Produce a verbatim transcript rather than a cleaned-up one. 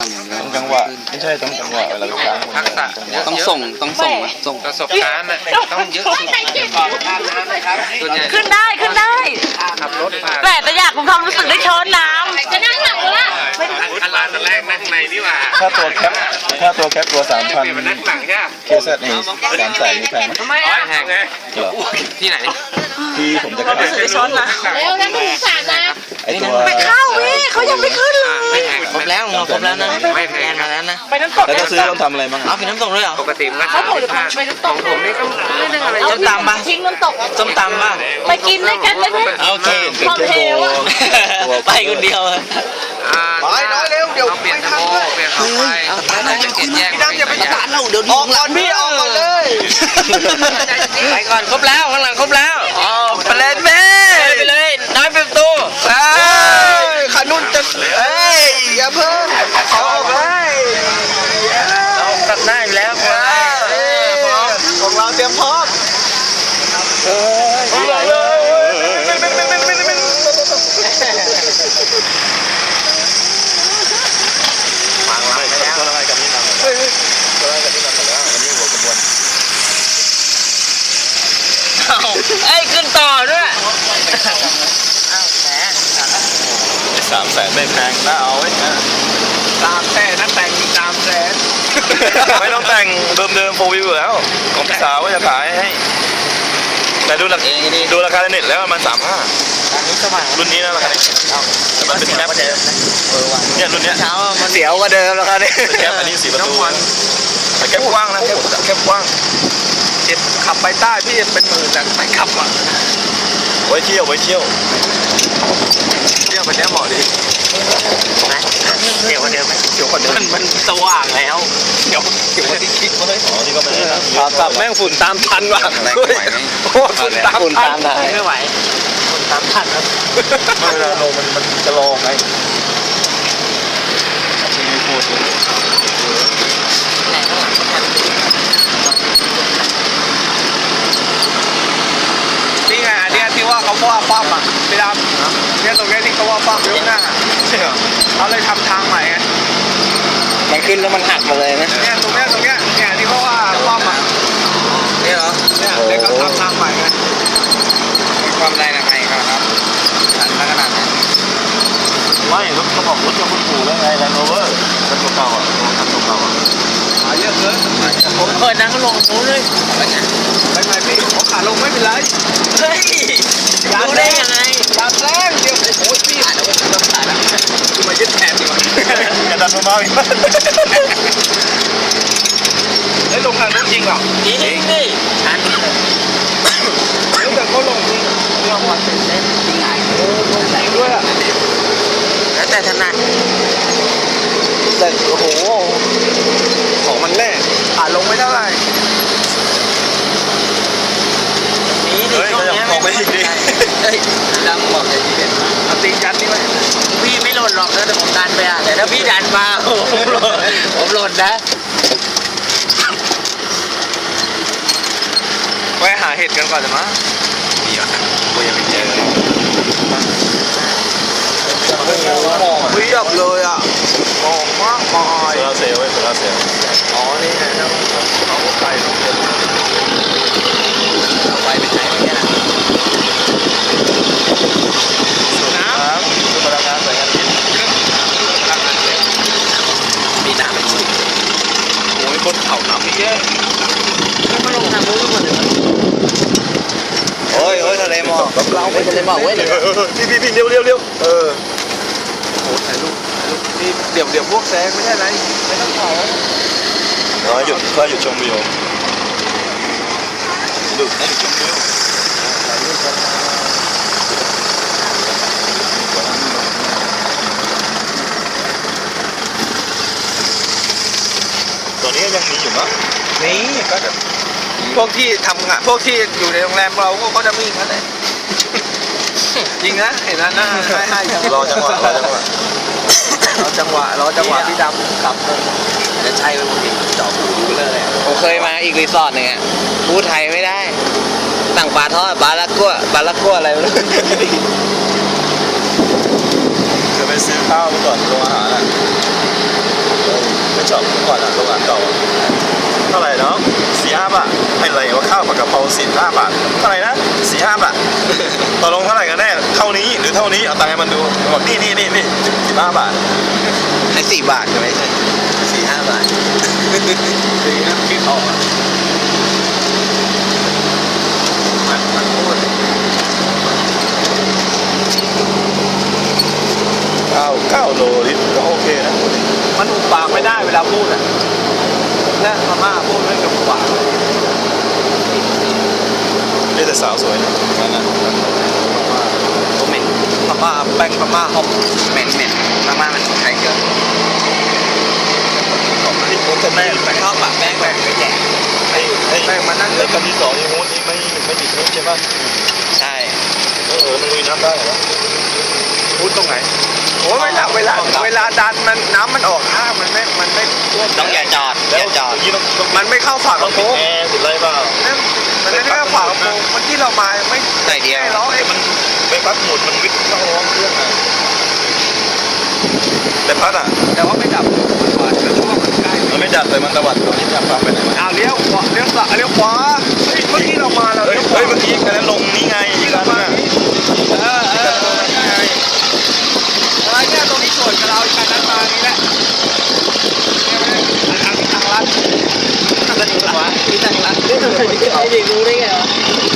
ต้องจังหวะไม่ใช่ต้องจังหวะเวลาค้างทักษะต้องส่งต้องส่งส่งประสบการณ์ต้องเยอะสุดขึ้นได้ขึ้นได้ขับรถมาแต่แต่อยากคุณความรู้สึกได้ช้อนน้ำจะนั่งหลังละอันร้านแรกนั่งในนี่ว่าถ้าตัวแคปถ้าตัวแคปตัวสามพันมันนั่งหลังใช่ไหมเคสนี่สามแสนนี่แพงไหมไม่แพงเหรอที่ไหนที่ผมจะขายได้ช้อนนะแล้วนะคุณสารนะไอตัวไปเข้าพี่เขายังไม่ขึ้นเลยไม่แพงครบแล้วเราครบแล้วนะไม่แพงมาแล้วนะไปน้ำตกแล้วถ้าซื้อต้องทำอะไรบ้างเอากินน้ำตกด้วยเหรอปกติมันก็สามสิบห้าของผมนี่ก็ไม่ได้อะไรส้มตำปะทิ้งน้ำตกส้มตำป่ะไปกินด้วยกันได้ไหมโอเคความเทวอะไปคนเดียวน้อยน้อยเร็วเดี๋ยวเปลี่ยนโมเปลี่ยนเข้าไปแล้วจะเปลี่ยนแยกพี่ดำอย่าไปตัดเราเดี๋ยวออกก่อนพี่ออกก่อนเลยไปก่อนครบแล้วข้างหลังครบแล้วอ๋อไปเลยแม่ไปเลยน้อยเป็นตัวขานุ่นจะเอ้ยอย่าเพิ่งขอออกเลยเราตัดหน้าอยู่แล้วของเราเตรียมพร้อมฟังเราไปแล้วตัวอะไรกับนี่นำตัวอะไรกับนี่นำหมดแล้ววันนี้หัวกระบวนเอ้ยขึ้นต่อด้วยสามแสนไม่แพงน่าเอาไว้นะตามแสนนั่นแต่งตามแสนไม่ต้องแต่งเดิมๆโฟวิวแล้วของพี่สาวว่าจะขายให้แต่ดูราคาดูราคาในเน็ตแล้วมันสามห้าอันนี้สว่างรุ่นนี้นะราคาแต่มันเป็นแคปเนี่ยรุ่นเนี้ยเช้ามันเสียวกว่าเดิมแล้วครับนี่เป็นแคปอันนี้สี่ประตูแต่แคปกว้างนะแคปแคปกว้างเจ็ดขับไปใต้พี่เป็นหมื่นแต่ไม่ขับอ่ะไว้เที่ยวไว้เที่ยวเที่ยวไปเนี้ยเหมาะดีนะเดี๋ยวกว่าเดิมไหมเดี๋ยวก่อนเดิมัน นมันสว่างแล้วเดี๋ยวเดี๋ยวที่คิดไว้อ๋อนี่ก็ไม่ได้นะขากลับแม่งฝุ่นตามทันว่ะโอ้ฝุ่นตามฝุ่นทัตาน มได้ไม่ไหวฝุ่นตามทันครับไม่เวลาลงมันมันจะลองไงที่ไม่พูดเลยไหนข้างหลังมันทันนี่ไงอันเนี้ยที่ว่าเขาว่าป้อมอ่ะพี่ดำเนี่ยตรงเนี้ยที่เขาว่าป้อมยกหน้าใช่เหรอเขาเลยทำทางใหม่ไงมันขึ้นแล้วมันหักมาเลยนะเนี่ยตรงเนี้ยตรงเนี้ยเนี่ยที่เขาว่าป้อมอ่ะนี่เหรอเนี่ยเด็กเขาทำทางใหม่ไงความแรงอะไรครับทันขนาดไหนไม่รถเขาบอกรถจะคุณปู่แล้วไงแลนด์โรเวอร์รถเก่าๆอ่ะรถเก่าๆอ่ะหาเยอะเกินผมเคยนั่งลงนู้นเลยไม่ไม่พี่ผมขาลงไม่เป็นไรเฮ้ยรู้ได้ยังไงตามแรงเดียวโอ้ยพี่อ่านแล้วก็ต้องถ่ายแล้วคือมายึดแทนดีกว่าอย่าดันมาอีกเฮ้ยลงทางนู้นจริงเหรอจริงดิทันเฮ้ยแต่เขาลงจริงลงมาเสร็จแล้วจริงไงเออลงจริงด้วยอ่ะแล้วแต่ถนัดแต่โอ้โหของมันแน่ขาลงไม่เท่าไหร่นี่ดิเฮ้ยช่วงก็ยังนี้มองไปอีกดิเฮ้ยดำบอกเลยทีเด็ดเอาตีนยัดนี่ไหมพี่ไม่หล่นหรอกนะแต่ผมดันไปอ่ะแต่ถ้าพี่ดันมาผมหล่นผมหล่นนะไปหาเห็ดกันก่อนจะมั้ยมีอ่ะกูยังไม่เจอหมอกเพียบเลยอ่ะหมอกมากมายโซลาเซลล์ไว้โซลาเซลล์อ๋อนี่ไงเขาใส่ลงไปเอาไปเป็นไหนไม่ใช่นะครับคือพลังงานสายงานพิษมีน้ำไม่ชุ่มโอ้ยบนเขาน้ำเยอะไม่ลงทางนู้นหมดเลยโอ้ยโอ้ยทะเลหมอกเราไปทะเลหมอกเว้ยพี่พี่พี่เร็วเร็วเร็วเออโอ้ถ่ายรูปถ่ายรูปนี่เดี๋ยวเดี๋ยวพวกแซงไม่ใช่ไรไม่ต้องถ่ายน้อยหยุดก็หยุดชมวิวหยุดให้หยุดชมวิวตัวนี้ยังมีอยู่มั้งนี่ก็จะพวกที่ทำงานพวกที่อยู่ในโรงแรมเราพวกเขาจะมีกันเลยจริงนะเห็นนะหน้าให้ให้จังรอจังหวะรอจังหวะรอจังหวะรอจังหวะพี่ดำขับเลยจะใช่ไหมผมจอบหูเลยผมเคยมาอีกรีสอร์ทหนึ่งอ่ะพูดไทยไม่ได้สั่งปลาทอดบาลากัวบาลากัวอะไรไม่รู้จะไปซื้อข้าวไปก่อนโรงอาหารอ่ะชอบก่อนอ่ะโรงงานเก่าเท่าไหร่เนาะสี่ห้าบาทให้อะไรว่าข้าวผัดกะเพราสี่ห้าบาทเท่าไหร่นะสี่ห้าบาทตกลงเท่าไหร่กันแน่เท่านี้หรือเท่านี้เอาตังค์ให้มันดูบอกนี่นี่นี่นี่สิบห้าบาทให้สี่บาทก็ไม่ใช่สี่ห้าบาทสีน้ำคิดออกอะมันมันพูดเก้าเก้าโลลิตรก็โอเคนะมันอุบปากไม่ได้เวลาพูดอ่ะและพม่าพูดไม่กับอุบปากนี่แต่สาวสวยนะนั่นน่ะตัวเหม็นพม่าแป้งพม่าหอมเหม็นเหม็นมากๆมันใช้เกลือที่ผมจะแม่ชอบปะแป้งแบบไม่แก่ไอ้ไอ้แป้งมันนั่นไอ้คันที่สองนี่มูนนี่ไม่ไม่ติดมูนใช่ป่ะใช่เออมันลุยน้ำได้เหรอพูดตรงไหนโอ้เวลาเวลาเวลาดันมันน้ำมันออกข้างมันไม่มันไม่ท่วมต้องอย่าจอดอย่าจอดยี่ต้องต้องมันไม่เข้าฝากต้กองระปิโปดรงแอร์ปิดอะไรเปล่านั่นมันไม่ได้เข้าฝากกระโปรงเมื่อกี้เรามาไม่หน่อยเดียวไม่ร้องเอ้มันใบพัดหมุนมันวิทย์เข้าห้องเครื่องอ่ะใบพัดอ่ะแต่ว่าไม่ดับมันหวานเพราะว่ามันใกล้มันไม่ดับแต่มันตวัดตัวนี้จับปั๊บไปไหนมาอ้าวเลี้ยวขวาเลี้ยวซ้ายเลี้ยวขวาเฮ้ยเมื่อกี้เรามาเราเฮ้ยเลี้ยวขวาเฮ้ยเมื่อกี้คันนั้นลงนี่ไงอีกคันนึงอ่ะเออเออเออใช่เออเนี่ยตรงนี้สวนกับเราอีกคันนั้นมานี่แหละเนี่ยไม่ได้ทางลัดทางลัดมีตังค์รักไอ้เด็กรู้ได้ไงวะ